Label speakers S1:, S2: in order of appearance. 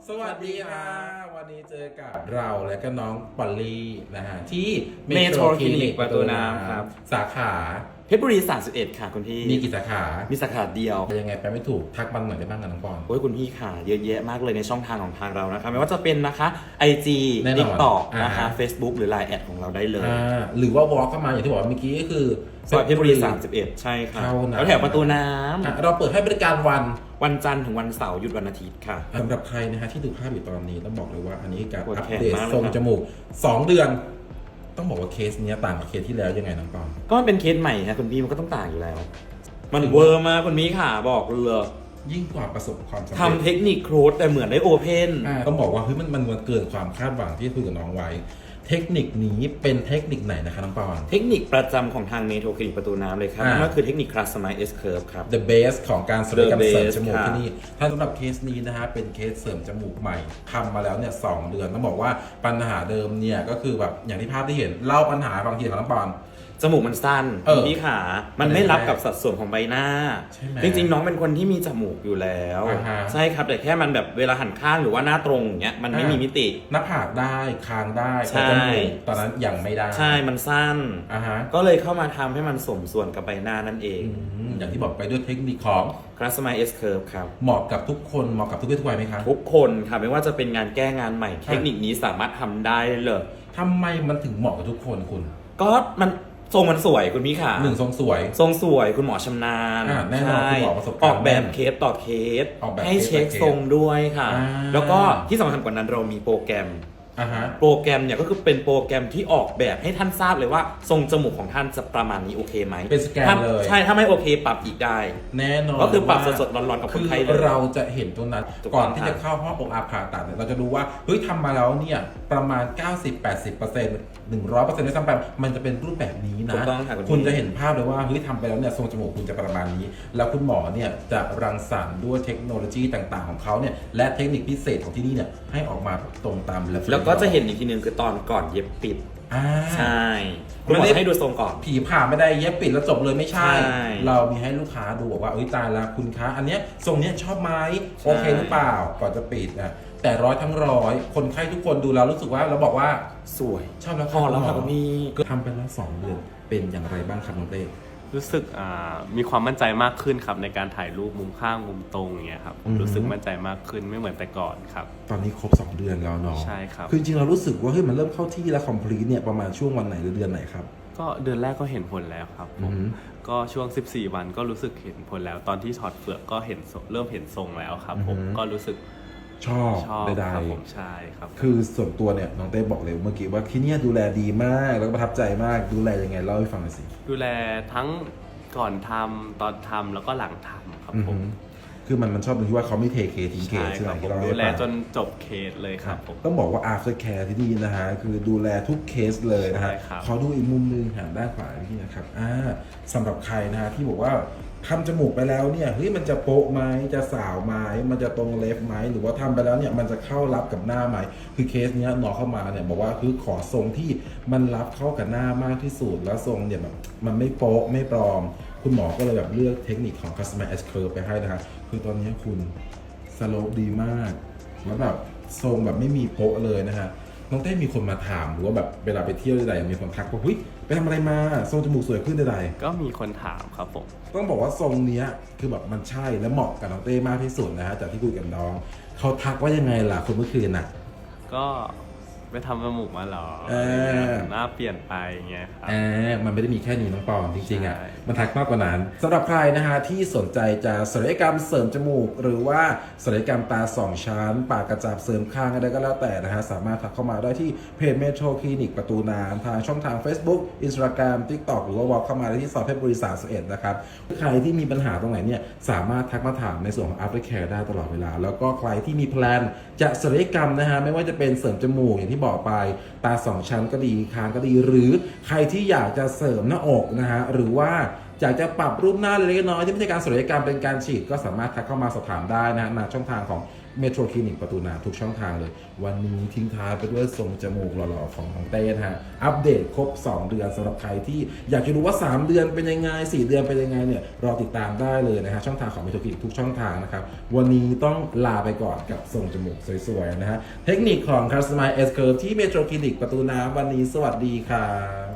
S1: สวัสดีค่ะวันนี้เจอกับเราและก็น้องปอลลี่นะฮะที่
S2: เมโทรคลินิกประตูน้ำครับ
S1: สาขา
S2: เพชรบุรี31ค่ะคุณพี่
S1: มีกี่สาขา
S2: มีสาขาเดียว
S1: ยังไงไปไม่ถูกทักบังหน่อยได้บ้างกันน้องปอน
S2: โอ้ยคุณพี่ค่ะเยอะแยะมากเลยในช่องทางของทางเรานะคะไม่ว่าจะเป็นนะคะ IG
S1: แน่นอน
S2: TikTok นะคะ
S1: อ่า
S2: Facebook หรือ Line แอดของเราได้เลย
S1: หรือว่าวอล์กเข้ามาอย่างที่บอกเมื่อกี้ก็คือ
S2: ซอยเพชรบุรี31ใช่ค่ะ
S1: เท่านั้น
S2: แล้วแถวประตูน้
S1: เราเปิดให้บริการวัน
S2: ำวันจันทร์ถึงวันเสาร์หยุดวันอาทิตย์ค่ะ
S1: สำหรับใครนะฮะที่ดูภาพอยู่ตอนนี้ต้องบอกเลยว่าอันนี้การ
S2: ปวด
S1: อัป
S2: แขน
S1: เดต
S2: มากเลย
S1: ทรง
S2: ครับ
S1: จมูก2 เดือน ต้องบอกว่าเคสเนี้ยต่างกับเคสที่แล้วยังไงน้องปอน
S2: ก็มันเป็นเคสใหม่ค่ะคุณพี่มันก็ต้องต่างอยู่แล้ว มันเวอร์มากคุณพี่ค่ะบอกเลย
S1: ยิ่งกว่าประสบความสำเร็จ
S2: ทำเทคนิคโครสแต่เหมือนได้โอเพน
S1: ต้องบอกว่าเฮ้ยมันเกินความคาดหวังที่คุยกับน้องไว้ เทคนิคนี้เป็นเทคนิคไหนนะคะน้องปอน
S2: เทคนิคประจำของทางเมโทรคลินิกประตูน้ำเลยครับนั่นก็คือเทคนิคคลาสไมซ์ S curve ครับ
S1: The base ของการศัลยกรรม
S2: The
S1: เสริม
S2: base
S1: จมูก
S2: ค่ะ
S1: ที่นี่ถ้าสำหรับเคสนี้นะฮะเป็นเคสเสริมจมูกใหม่ทำมาแล้วเนี่ย2 เดือนต้องบอกว่าปัญหาเดิมเนี่ยก็คือแบบอย่างที่ภาพที่เห็นเล่าปัญหาบางทีของน้องปอน
S2: จมูกมันสั้นพี่ขามันไม่รับกับสัดส่วนของใบหน้า
S1: ใช่ไหม
S2: จริงๆน้องเป็นคนที่มีจมูกอยู่แล้ว
S1: อ่าฮะ
S2: ใช่ครับแต่แค่มันแบบเวลาหันข้างหรือว่าหน้าตรงอย่างเงี้ยมันไม่มีมิติ
S1: หน้าผากได้คางได้
S2: ใช่
S1: แต่จมูกตอนนั้นยังไม่ได้
S2: ใช่มันสั้น
S1: อ่าฮะ
S2: ก็เลยเข้ามาทำให้มันสมส่วนกับใบหน้านั่นเอง
S1: อย่างที่บอกไปด้วยเทคนิคของ
S2: คลาสไมซ์ S curve ครับ
S1: เหมาะกับทุกคนเหมาะกับทุกเพศทุกวัยไหมคะ
S2: ทุกคนค่ะไม่ว่าจะเป็นงานแก้งานใหม่ เทคนิคนี้สามารถทำได้เลย
S1: ทำไมมันถึงเหมาะกับทุกคนคุณ
S2: ก็มันทรงมันสวยคุณพี่ขา
S1: หนึ่งทรงสวย
S2: ทรงสวยคุณหมอชำนาญ
S1: แน่นอน
S2: ใช่
S1: คุณหมอประสบการณ์
S2: ออกแบบเคสต่อเคส
S1: ออกแบบ
S2: ให้เช็ค
S1: เคส
S2: ทรงด้วยค่ะ
S1: อ่า
S2: แล้วก็ที่สำคัญกว่านั้นเรามีโปรแกรม
S1: อ่าฮะ
S2: โปรแกรมเนี่ยก็คือเป็นโปรแกรมที่ออกแบบให้ท่านทราบเลยว่าทรงจมูกของท่านจะประมาณนี้โอเคไหม
S1: เป็นสแกน
S2: ถ้า
S1: เลย
S2: ใช่ถ้าไม่โอเคปรับอีกได้
S1: แน่นอน
S2: ก็คือปรับ
S1: ว่า
S2: สดๆร้อนๆกับคนไข้
S1: คือ
S2: เลย
S1: เราจะเห็นตรงนั้น
S2: ถูกต้อง
S1: ก่อนที่จะเข้าห้องผ่าตัดเนี่ยเราจะดูว่าเฮ้ยทำมาแล้วเนี่ยประมาณ 90-80% 100%ด้วยซ้ำไปมันจะเป็นรูปแบบนี้
S2: ถู
S1: นะ
S2: กต้องค่ะ
S1: คุณจะเห็นภาพเลยว่าเฮ้ยทำไปแล้วเนี่ยทรงจมูกคุณจะประมาณนี้ แล้วคุณหมอเนี่ยจะรังสรรค์ด้วยเทคโนโลยีต่างๆของเขาเนี่ยและเทคนิคพิเศษของที่นี่เนี่ยให้ออกมาตรงตาม reference
S2: แล้วก็จะเห็นอีกทีนึงคือตอนก่อนเย็บปิด
S1: อ่า
S2: ใช่คุณหมอจะให้ดูทรงก่อน
S1: ผีผ่าไม่ได้เย็บปิดแล้วจบเลยไม่ใช่
S2: ใช่
S1: เรามีให้ลูกค้าดูบอกว่าเอ้ยตายละคุณคะอันเนี้ยทรงเนี้ยชอบไหมโอเคหรือเปล่าก่อนจะปิดนะแต่ร้อยทั้งร้อยคนไข้ทุกคนดูแล้วรู้สึกว่าเราบอกว่า
S2: สวย
S1: ชอบแล้ว
S2: พอแล้วค่ะคุณพี่
S1: ก็ทำไปแล้ว2 เดือนเป็นอย่างไรบ้างครับน้องเต้
S3: รู้สึกมีความมั่นใจมากขึ้นครับในการถ่ายรูปมุมข้างมุมตรงอย่างเงี้ยครับผมรู้สึกมั่นใจมากขึ้นไม่เหมือนแต่ก่อนครับ
S1: ตอนนี้ครบ2 เดือนแล้วเนาะ
S3: ใช่ครับ
S1: คือจริงๆเรารู้สึกว่าเฮ้ยมันเริ่มเข้าที่แล้วคอมพลีทเนี่ยประมาณช่วงวันไหนหรือเดือนไหนครับ
S3: ก็เดือนแรกก็เห็นผลแล้วครับผ
S1: อื
S3: ม
S1: อฮึ
S3: ก็ช่วง 14 วันก็รู้สึกเห็นผลแล้ว ตอนที่ถอดเปลือกก็เห็นเริ่มเห็นทรงแล้วครับผม
S1: อือฮึ
S3: ก็รู้สึก
S1: ชอบ
S3: ชอบ
S1: ใด
S3: ครับผมใช่ครับ
S1: ๆคือส่วนตัวเนี่ยน้องเต้บอกเลยเมื่อกี้ว่าที่เนี่ยดูแลดีมากแล้วก็ประทับใจมากดูแลยังไงเล่าให้ฟังหน่อยสิ
S3: ดูแลทั้งก่อนทำตอนทำแล้วก็หลังทำครับ
S1: อือ
S3: ผ
S1: ฮึ
S3: ม
S1: คือมันชอบตรงที่ว่าเขาไม่เทเคทิ้งเค
S3: ใช่
S1: ใช่ไห
S3: ค
S1: ม
S3: รับผ
S1: ที่
S3: ม
S1: เรา
S3: ดู
S1: ให้
S3: แล
S1: ฟัง
S3: จนจบเคสเลยครับผม
S1: ต้องบอกว่า after care ที่นี่นะฮะคือดูแลทุกเคสเลยนะฮะ
S3: ใช่ครับ
S1: ขอดูอีกมุมหนึงหันด้านขวาพี่นะครับสำหรับใครนะฮะที่บอกว่าทำจมูกไปแล้วเนี่ยเฮ้ยมันจะโป๊ะไหมจะสาวไหมมันจะตรงเล็บไหมหรือว่าทำไปแล้วเนี่ยมันจะเข้ารับกับหน้าไหมคือเคสเนี้ยน้องเข้ามาเนี่ยบอกว่าคือขอทรงที่มันรับเข้ากับหน้ามากที่สุดแล้วทรงเนี่ยแบบมันไม่โป๊ะไม่ปลอม คุณหมอก็เลยแบบเลือกเทคนิคของ Customer S Curve ไปให้นะฮะคือตอนนี้คุณสโลปดีมากแล้วแบบทรงแบบไม่มีโป๊ะเลยนะฮะน้องเต้มีคนมาถามหรือว่าแบบเวลาไปเที่ยวใดๆมีคนทักว่าเฮ้ยไปทำอะไรมาทรงจมูกสวยขึ้นใด
S3: ก็มีคนถามครับผม
S1: ๆต้องบอกว่าทรงเนี้ยคือแบบมันใช่และเหมาะกับน้องเต้มากที่สุดนะฮะจากที่คุยกับน้องเขาทักว่ายังไงล่ะคนเมื่อคืนน่ะ
S3: ก็ไปทำจมูกมาเหรอ หน้าเปลี่ยนไปอย่างเงี้ยครับ
S1: มันไม่ได้มีแค่นี้น้องปอนจริงๆอ่ะ
S3: ใช่
S1: มันทักมากกว่านั้นสำหรับใครนะฮะที่สนใจจะศัลยกรรมเสริมจมูก หรือว่าศัลยกรรมตา2 ชั้น ปากกระจับเสริมคางอะไรก็แล้วแต่นะฮะสามารถทักเข้ามาได้ที่เพจเมโทรคลินิกประตูน้ำทางช่องทาง Facebook Instagram TikTok หรือว่าวอลเข้ามาได้ที่ซอยเพชรบุรี31นะครับใครที่มีปัญหาตรงไหนเนี่ยสามารถทักมาถามในส่วนของ Aftercare ได้ตลอดเวลา แล้วก็ใครที่มีแพลนจะศัลยกรรมนะฮะไม่ว่าจะเป็นเสริมจมูกอย่างที่บอกไปตา2 ชั้นก็ดีคางก็ดีหรือใครที่อยากจะเสริมหน้าอกนะฮะหรือว่าอยากจะปรับรูปหน้าเล็กๆน้อยๆที่ไม่ใช่การศัลยกรรมเป็นการฉีดก็สามารถทักเข้ามาสอบถามได้นะฮะในช่องทางของเมโทรคลินิกประตูน้ำทุกช่องทางเลยวันนี้ทิ้งท้ายไปด้วยทรงจมูกหล่อๆของน้องเต้นะฮะอัปเดตครบ2เดือนสำหรับใครที่อยากจะรู้ว่า3เดือนเป็นยังไง4เดือนเป็นยังไงเนี่ยรอติดตามได้เลยนะฮะช่องทางของเมโทรคลินิกทุกช่องทางนะครับวันนี้ต้องลาไปก่อนกับทรงจมูกสวยๆนะฮะเทคนิคของ Customize S Curve ที่เมโทรคลินิกประตูน้ำวันนี้สวัสดีครับ